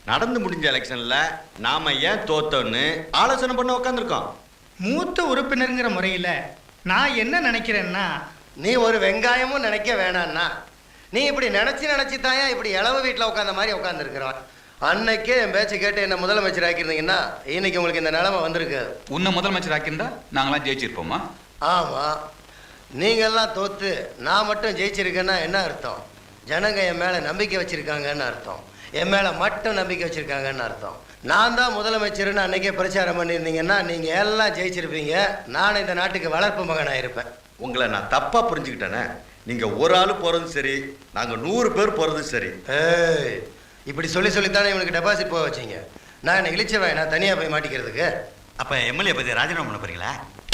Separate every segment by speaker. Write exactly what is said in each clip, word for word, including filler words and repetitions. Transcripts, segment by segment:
Speaker 1: நடந்து முடிஞ்ச எலெக்ஷன்ல நாம ஏன் தோத்தோன்னு ஆலோசனை பண்ண உட்காந்துருக்கோம்.
Speaker 2: மூத்த உறுப்பினருங்கிற முறையில் நான் என்ன நினைக்கிறேன்னா,
Speaker 3: நீ ஒரு வெங்காயமும் நினைக்க வேணான்னா, நீ இப்படி நினைச்சு நினைச்சு தாயா இப்படி இளவு வீட்டில் உட்காந்த மாதிரி உட்காந்துருக்கிறான். அன்னைக்கே என் பேச்சு கேட்டு என்ன முதலமைச்சர் ஆக்கியிருந்தீங்கன்னா இன்னைக்கு உங்களுக்கு இந்த நிலைமை வந்திருக்கு.
Speaker 4: உன்னை முதலமைச்சர் ஆக்கியிருந்தா நாங்களாம் ஜெயிச்சிருப்போமா?
Speaker 3: ஆமாம், நீங்கள்லாம் தோத்து நான் மட்டும் ஜெயிச்சிருக்கேன்னா என்ன அர்த்தம்? ஜனங்க என் மேலே நம்பிக்கை வச்சுருக்காங்கன்னு அர்த்தம். என் மேலே மட்டும் நம்பிக்கை வச்சுருக்காங்கன்னு அர்த்தம். நான் தான் முதலமைச்சர்னு அன்றைக்கே பிரச்சாரம் பண்ணியிருந்தீங்கன்னா நீங்கள் எல்லாம் ஜெயிச்சிருப்பீங்க. நான் இந்த நாட்டுக்கு வளர்ப்பு மகனாக இருப்பேன்.
Speaker 1: உங்களை நான் தப்பா புரிஞ்சுக்கிட்டேனே. நீங்க ஒரு ஆள் போறதும் சரி, நாங்க நூறு பேர் போறதும் சரி.
Speaker 3: ஏய், இப்படி சொல்லி சொல்லித்தானே இவனுக்கு டெபாசிட் போக வச்சிங்க. நான் என்ன இழிச்சவன் நான் தனியாக போய் மாட்டிக்கிறதுக்கு?
Speaker 1: அப்ப எம்எல்ஏ பத்தி ராஜினாமா பண்ண போறீங்களா?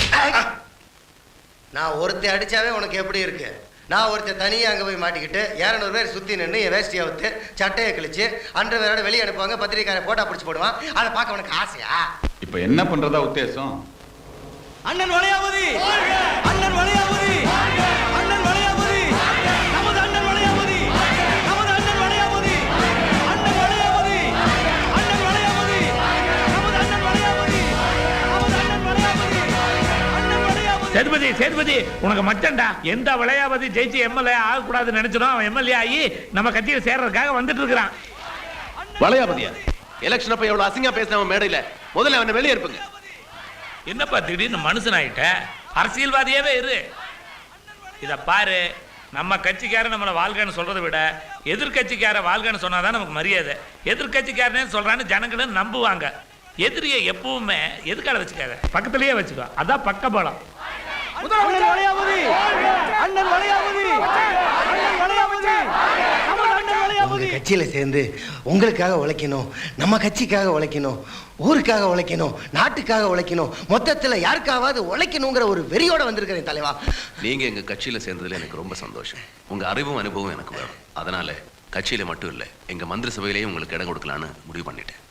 Speaker 3: நான் ஒருத்தர் அடித்தாவே உனக்கு எப்படி இருக்கு? நான் ஒருத்தர் தனியாக அங்கே போய் மாட்டிக்கிட்டு இரநூறு பேர் சுற்றி நின்று என் வேஷ்டியை அவுத்து சட்டையை கிழிச்சு அன்று வேறோட வெளியே அனுப்புவாங்க, பத்திரிக்காரை போட்டா பிடிச்சி போடுவான். அதை பார்க்க உனக்கு ஆசையா?
Speaker 4: இப்போ என்ன பண்றதா உத்தேசம்?
Speaker 5: அண்ணன் வளையாபதி, அண்ணன் வளையாபதி, அண்ணன் வளையாபதி, நமது அண்ணன் வளையாபதி, நமது அண்ணன் வளையாபதி, அண்ணன் வளையாபதி, அண்ணன் வளையாபதி, நமது அண்ணன் வளையாபதி, நமது அண்ணன் வளையாபதி, அண்ணன் வளையாபதி.
Speaker 6: சேதுபதி சேதுபதி உனக்கு மச்சண்டா. எந்த வளையாபதி ஜெயிச்சு எம்எல்ஏ ஆகக்கூடாதுன்னு நினைச்சோம், அவன் எம்எல்ஏ ஆகி நம்ம கட்சியில் சேர்றதுக்காக வந்துட்டு இருக்கிறான்.
Speaker 7: வளையாபதியா? எலெக்ஷன் அப்ப எவ்வளவு அசிங்கா பேசினவன் மேடையில, முதல்ல அவனை வெளியே இருப்புங்க.
Speaker 6: என்னப்பா திடீர்னு மனுஷன் ஆயிட்ட? அரசியல்வாதியாவே இரு. இத பாரு, நம்ம கட்சிக்காரன் நம்மளை வாழ்கன்னு சொல்றதை விட எதிர்கட்சிக்கார வாழ்கன்னு சொன்னாதான் நமக்கு மரியாதை. எதிர்கட்சிக்காரனே சொல்றான்னு ஜனங்களும் நம்புவாங்க. எதிரியை எப்பவுமே எதுக்கால வச்சுக்காத, பக்கத்திலேயே வச்சுக்கோ. அதான் பக்க பலம்.
Speaker 5: அண்ணன் வளையாபதி, அண்ணன் வளையாபதி, அண்ணன் வளையாபதி, நமது அண்ணன் வளையாபதி.
Speaker 3: கட்சியில் சேர்ந்து உங்களுக்காக உழைக்கணும், நம்ம கட்சிக்காக உழைக்கணும், ஊருக்காக உழைக்கணும், நாட்டுக்காக உழைக்கணும், மொத்தத்தில் யாருக்காவது உழைக்கணுங்கிற ஒரு வெறியோட வந்திருக்கிறேன் தலைவா.
Speaker 7: நீங்க எங்க கட்சியில சேர்ந்ததுல எனக்கு ரொம்ப சந்தோஷம். உங்க அறிவும் அனுபவம் எனக்கு வேணும். அதனால கட்சியில மட்டும் இல்ல, எங்க மந்திரி சபையிலேயும் உங்களுக்கு இடம் கொடுக்கலான்னு முடிவு பண்ணிட்டேன்.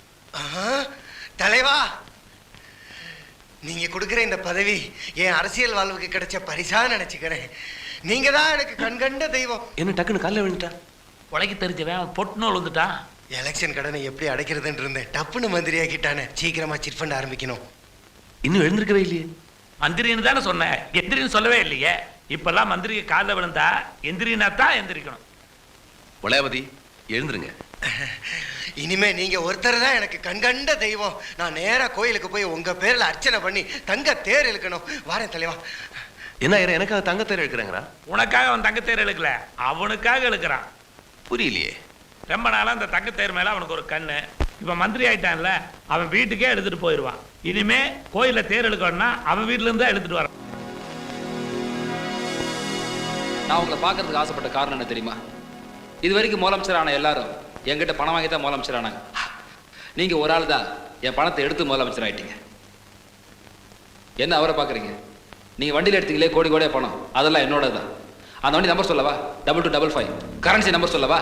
Speaker 3: தலைவா, நீங்க கொடுக்குற இந்த பதவி என் அரசியல் வாழ்வுக்கு கிடைச்ச பரிசா நினைச்சுக்கிறேன். நீங்க தான் எனக்கு கண்கண்ட தெய்வம்.
Speaker 7: என்ன டக்குன்னு காலைல விழுந்துட்டா?
Speaker 6: உலகி தெரிஞ்சவன் பொட்டு நூல் வந்துட்டான்.
Speaker 3: எலெக்ஷன் கடனை எப்படி அடைக்கிறதுன்னு இருந்தேன், டப்புன்னு மந்திரி ஆக்கிட்டானே. சீக்கிரமா சிட் ஃபண்ட் ஆரம்பிக்கணும்.
Speaker 7: இன்னும் எழுந்திருக்கவே இல்லையே.
Speaker 6: மந்திரின்னு தானே சொன்னேன், எந்திரின்னு சொல்லவே இல்லையே. இப்பெல்லாம் மந்திரிக்கு காலில் விழுந்தா எந்திரினா தான் எந்திரிக்கணும்.
Speaker 7: வளையாபதி, எழுந்துருங்க.
Speaker 3: இனிமே நீங்க ஒருத்தர் தான் எனக்கு கண்கண்ட தெய்வம். நான் நேரா கோயிலுக்கு போய் உங்க பேர்ல அர்ச்சனை பண்ணி தங்க தேர் இழுக்கணும். வாரேன் தலைவா.
Speaker 7: என்ன எனக்காக தங்கத்தேர் எடுக்கிறாங்களா?
Speaker 6: உனக்காக அவன் தங்கத்தேர் இழுக்கல, அவனுக்காக இழுக்கிறான்.
Speaker 7: புரியலையே.
Speaker 6: ரொம்ப நாளா அந்த தங்கத்தேர் மேல அவனுக்கு ஒரு கண்ணு. இப்ப மந்திரி ஆயிட்டான்ல, அவன் வீட்டுக்கே எடுத்துட்டு போயிடுவான். இனிமே கோயில தேர் இழுக்கணும்னா அவன் வீட்டுல இருந்தா எடுத்துட்டு வரான்.
Speaker 8: நான் உங்களை பார்க்கறதுக்கு ஆசைப்பட்ட காரணம் என்ன தெரியுமா? இது வரைக்கும் முதலமைச்சர் ஆன எல்லாரும் என்கிட்ட பணம் வாங்கி தான் முதலமைச்சர் ஆனாங்க. நீங்க ஒரு ஆள் தான் என் பணத்தை எடுத்து முதலமைச்சர் ஆயிட்டீங்க. என்ன அவரை பார்க்குறீங்க? நீங்க வண்டியில் எடுத்தீங்களே கோடி கோடியா பணம், அதெல்லாம் என்னோட தான். அந்த வண்டி நம்பர் சொல்லவா? Double two double five. Currency number சொல்லவா?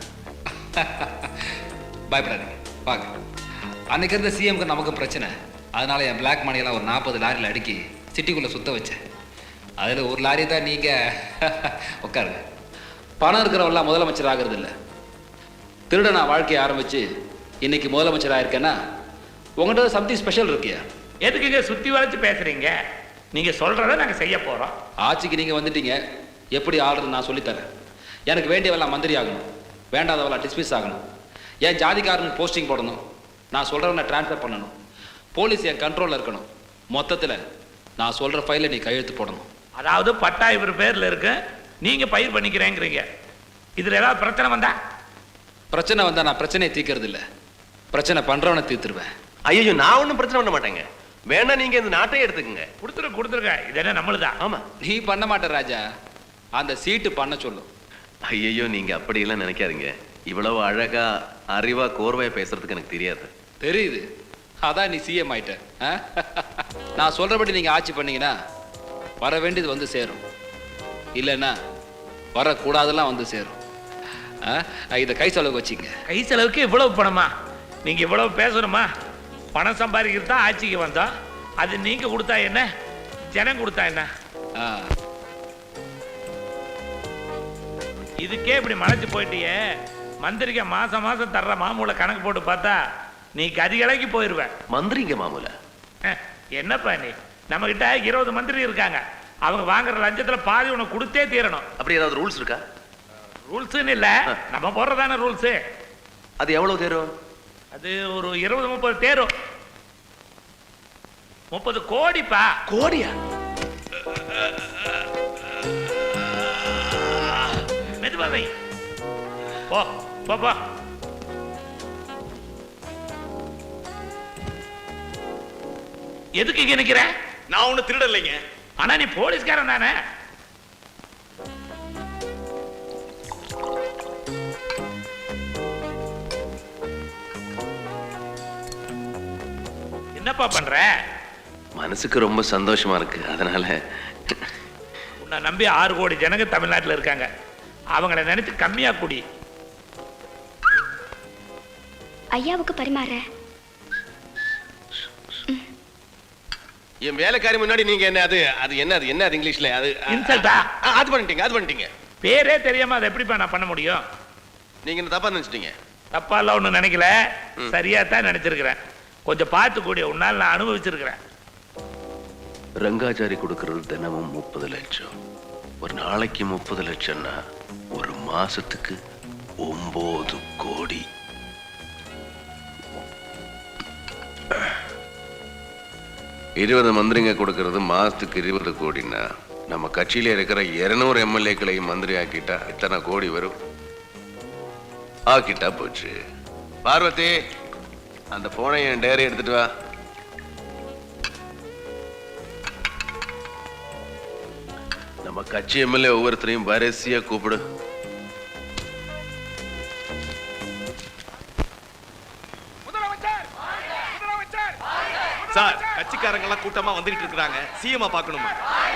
Speaker 8: பயப்படாதீங்க, வாங்க. அன்னைக்கு இருந்த சிஎம்க்கு நமக்கு பிரச்சனை. அதனால என் பிளாக் மணியெல்லாம் ஒரு நாற்பது லாரியில் அடுக்கி சிட்டிக்குள்ளே சுத்த வச்சேன். அதில் ஒரு லாரி தான் நீங்கள் உட்காருங்க. பணம் இருக்கிறவெல்லாம் முதலமைச்சர் ஆகிறது இல்லை. திருட நான் வாழ்க்கையை ஆரம்பித்து இன்னைக்கு முதலமைச்சர் ஆயிருக்கேன்னா உங்கள்கிட்ட சம்திங் ஸ்பெஷல் இருக்கியா?
Speaker 6: எதுக்குங்க சுற்றி வளைச்சு பேசுறீங்க? நீங்க சொல்றத நாங்கள் செய்ய போகிறோம்.
Speaker 8: ஆட்சிக்கு நீங்கள் வந்துட்டீங்க, எப்படி ஆளுறது நான் சொல்லித்தரேன். எனக்கு வேண்டியவெல்லாம் மந்திரி ஆகணும், வேண்டாதவெல்லாம் டிஸ்மிஸ் ஆகணும். என் ஜாதிக்காரனுக்கு போஸ்டிங் போடணும், நான் சொல்கிறவனை ட்ரான்ஸ்ஃபர் பண்ணணும். போலீஸ் என் கண்ட்ரோலில் இருக்கணும். மொத்தத்தில் நான் சொல்கிற ஃபைலை நீ கையெழுத்து போடணும்.
Speaker 6: அதாவது பட்டா இவர் பேரில் இருக்கு, நீங்கள் பயிர் பண்ணிக்கிறேங்கிறீங்க. இதில் ஏதாவது பிரச்சனை வந்தா?
Speaker 8: பிரச்சனை வந்தால் நான் பிரச்சனையை தீர்க்கறது இல்லை, பிரச்சனை பண்ணுறவனை தீர்த்துருவேன்.
Speaker 7: ஐயோ, நான் ஒன்றும் பிரச்சனை பண்ண மாட்டேங்க. வேணா நீங்க இந்த நாட்டையே எடுத்துக்கங்க.
Speaker 6: கொடுத்துரு கொடுத்துருங்க, இது என்ன நம்மளுதான்.
Speaker 7: ஆமா,
Speaker 8: நீ பண்ண மாட்ட ராஜா, அந்த சீட்டு பண்ண சொல்லும்.
Speaker 7: ஐயோ, நீங்க அப்படியெல்லாம் நினைக்காதீங்க. இவ்வளவு அழகா அறிவா கோர்வையா பேசுறதுக்கு எனக்கு தெரியாது.
Speaker 8: தெரியுது, அதான் நீ சிஎம் ஆயிட்ட. நான் சொல்றபடி நீங்க ஆட்சி பண்ணீங்கன்னா வர வேண்டியது வந்து சேரும், இல்லைன்னா வரக்கூடாதெல்லாம் வந்து சேரும். இதை கை செலவுக்கு வச்சுங்க.
Speaker 6: கை செலவுக்கு இவ்வளவு பணமா? நீங்க இவ்வளவு பேசணுமா? பணம் சம்பாதிக்கிறது தான் ஆட்சிக்கு வந்தோம். அது நீங்க கொடுத்தா என்ன, ஜனம் கொடுத்தா என்ன? இதுக்கே இப்படி மறைச்சு போயிட்டியே, மந்திரிக்க மாசம் மாசம் தர்ற மாமூலை கணக்கு போட்டு பார்த்தா நீ கதிகலைக்கு போயிருவ.
Speaker 7: மந்திரிங்க மாமூல
Speaker 6: அஹ், என்னப்பா நீ நம்ம கிட்ட இருபது மந்திரி இருக்காங்க. அவங்க வாங்குற லஞ்சத்துல பாதி உனக்கு கொடுத்தே தீரணும்.
Speaker 7: அப்படி ஏதாவது ரூல்ஸ் இருக்கா?
Speaker 6: ரூல்ஸ்ன்னு இல்ல, நம்ம போடுறதான ரூல்ஸ்.
Speaker 7: அது எவ்வளவு தேரும்?
Speaker 6: அது ஒரு இருபது முப்பது தேரும். முப்பது கோடிப்பா.
Speaker 7: கோடியா?
Speaker 6: மெதுவாவை போ போ போ. எதுக்கு இங்க நிக்கிற?
Speaker 1: நான் ஒண்ணு திருடலைங்க.
Speaker 6: ஆனா நீ போலீஸ்காரன் தானே? என்னப்பா பண்ற?
Speaker 7: மனசுக்கு ரொம்ப சந்தோஷமா இருக்கு, அதனால.
Speaker 6: உன்னை நம்பி ஆறு கோடி ஜனங்க தமிழ்நாட்டில் இருக்காங்க. அவங்கள நினைச்சு கம்மியா குடி.
Speaker 9: ஐயாவுக்கு பரிமாற.
Speaker 10: என் வேலைக்காரி முன்னாடி நீங்க என்ன அது அது என்ன அது என்ன அது இங்கிலீஷ்ல அது
Speaker 6: இன்சல்ட்டா?
Speaker 10: ஆ, அது பண்ணிட்டீங்க அது பண்ணிட்டீங்க.
Speaker 6: பேரே தெரியாம அதை எப்படிப்பா நான் பண்ண முடியும்?
Speaker 10: நீங்க என்ன தப்பா நினைச்சிட்டீங்க?
Speaker 6: தப்பா எல்லாம் ஒன்றும் நினைக்கல, சரியா தான் நினைச்சிருக்கிறேன். கொஞ்சம் பார்த்து கூடிய உன்னால் நான் அனுபவிச்சிருக்கிறேன்.
Speaker 7: ரங்காச்சாரி கொடுக்கறது தினமும் முப்பது லட்சம். ஒரு நாளைக்கு முப்பது லட்சம்னா ஒரு மாசத்துக்கு ஒன்பது கோடி. இருபது மந்திரிங்க கொடுக்கறது மாசத்துக்கு இருபது கோடின்னா நம்ம கட்சியில இருக்கிற இருநூறு எம்எல்ஏக்களையும் மந்திரி ஆக்கிட்டா இத்தனை கோடி வரும். ஆக்கிட்டா போச்சு. பார்வதி, அந்த போனை என் டேரி எடுத்துட்டு வா. நம்ம கட்சி எம்எல்ஏ ஒவ்வொருத்தரையும் வரிசையா கூப்பிடு.
Speaker 10: சார், கட்சிக்காரங்க எல்லாம் கூட்டமா வந்துட்டு இருக்காங்க. சிஎம் பார்க்கணுமா?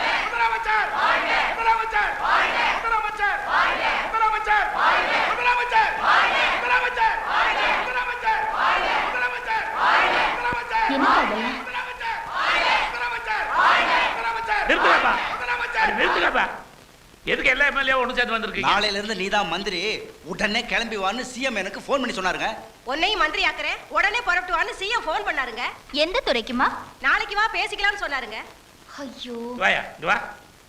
Speaker 6: நிறுத்துங்கப்பா. அடி நிறுத்துங்கப்பா. எதுக்கு எல்லா எம்எல்ஏ ஒன்று சேர்ந்து வந்திருக்கீங்க?
Speaker 5: நாளையில இருந்து நீதான் மந்திரி, உடனே கிளம்பி வான்னு சிஎம் எனக்கு ஃபோன் பண்ணி சொன்னாருங்க.
Speaker 11: உன்னையும் மந்திரி ஆக்குறேன், உடனே புறப்பட்டு வான்னு சிஎம் ஃபோன் பண்ணாருங்க.
Speaker 9: எந்த துறைக்குமா?
Speaker 11: நாளைக்கு வா பேசிக்கலாம்னு சொன்னாருங்க.
Speaker 9: ஐயோ,
Speaker 6: வாயா இங்க வா.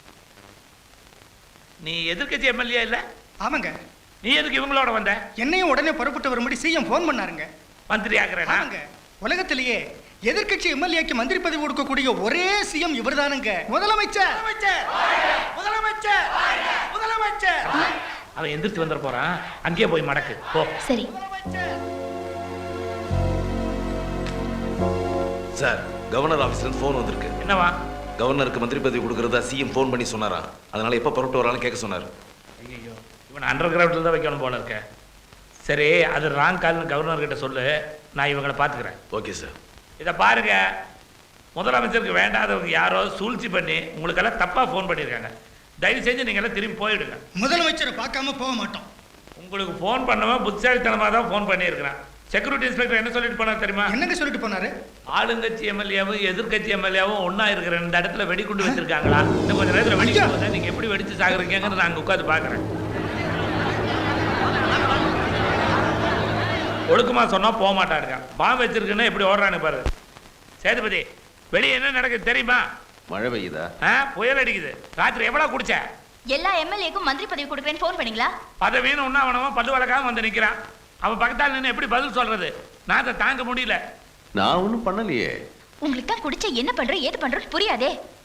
Speaker 6: நீ எதிர்க்கட்சி எம்எல்ஏ இல்ல?
Speaker 2: ஆமாங்க.
Speaker 6: நீ எதுக்கு இவங்களோட வந்த?
Speaker 2: என்னையும் உடனே புறப்பட்டு வரும்படி சிஎம் ஃபோன் பண்ணாருங்க.
Speaker 6: மந்திரி ஆக்குறேனா?
Speaker 2: ஆமாங்க. உலகத்திலேயே எதிர்க்கட்சி எம்எல்ஏக்கு மந்திரி பதவி கொடுக்கக்கூடிய ஒரே சிஎம் இவர்தானுங்க. முதலமைச்சர் முதலமைச்சர் முதலமைச்சர்.
Speaker 6: அவன் எந்திரிச்சு வந்துட போறான், அங்கேயே போய் மடக்கு போ.
Speaker 9: சரி.
Speaker 12: சார், கவர்னர் ஆபீஸ்ல ஃபோன் வந்திருக்கு.
Speaker 6: என்னவா?
Speaker 12: கவர்னருக்கு மந்திரி பதவி கொடுக்கறதா சிஎம் ஃபோன் பண்ணி சொன்னாராம். அதனால எப்ப புறப்பட்டு வரான்னு கேட்க சொன்னார்.
Speaker 6: ஐயோ, இவன் அண்டர் கிரவுண்டில் தான் வைக்கணும் போல இருக்க. சரி, அது ராங் கால்னு கவர்னர் கிட்ட சொல்லு, நான் இவங்களை பார்த்துக்கிறேன்.
Speaker 12: Okay sir.
Speaker 6: இதை பாருங்க, முதலமைச்சருக்கு வேண்டாதவங்க யாரோ சூழ்ச்சி பண்ணி உங்களுக்கெல்லாம் தப்பா ஃபோன் பண்ணியிருக்காங்க. தயவு செஞ்சு நீங்க எல்லாம் திரும்பி போயிடுங்க.
Speaker 2: முதலமைச்சரை பார்க்காம போக மாட்டோம்.
Speaker 6: உங்களுக்கு ஃபோன் பண்ணவன் புத்திசாலித்தனமாக தான் ஃபோன் பண்ணியிருக்கிறான். செக்யூரிட்டி இன்ஸ்பெக்டர் என்ன சொல்லிட்டு போனார் தெரியுமா?
Speaker 2: என்னங்க சொல்லிட்டு போனாரு?
Speaker 6: ஆளுங்கட்சி எம்எல்ஏவும் எதிர்கட்சி எம்எல்ஏவும் ஒன்னா இருக்கிற இந்த இடத்துல வெடிகுண்டு வச்சிருக்காங்களா? இன்னும் கொஞ்சம் நேரத்தில் வெடிக்கும் போது நீங்க எப்படி வெடிச்சு சாகுறீங்கிறது நான் உட்காந்து பாக்குறேன். ஒழுக்கமா சொன்னா போக மாட்டாருங்க. பாம்பு வச்சிருக்குன்னா எப்படி ஓடுறான்னு பாரு. சேதுபதி, வெளியே என்ன நடக்குது தெரியுமா?
Speaker 7: மழை பெய்யுதா?
Speaker 6: புயல் அடிக்குது. ராத்திரி எவ்வளவு குடிச்ச?
Speaker 9: எல்லா எம்எல்ஏக்கும் மந்திரி பதவி கொடுக்குறேன்னு ஃபோன் பண்ணீங்களா?
Speaker 6: பதவின்னு ஒன்னா அவனவன் பல்லு வழக்காம வந்து நிக்கிறான். அவன் பக்கத்தால் நின்று எப்படி பதில் சொல்றது? நான் அதை தாங்க முடியல.
Speaker 7: நான் ஒன்றும் பண்ணலையே.
Speaker 9: உங்களுக்கு தான் குடிச்ச என்ன பண்ற ஏது பண்றது புரியாதே.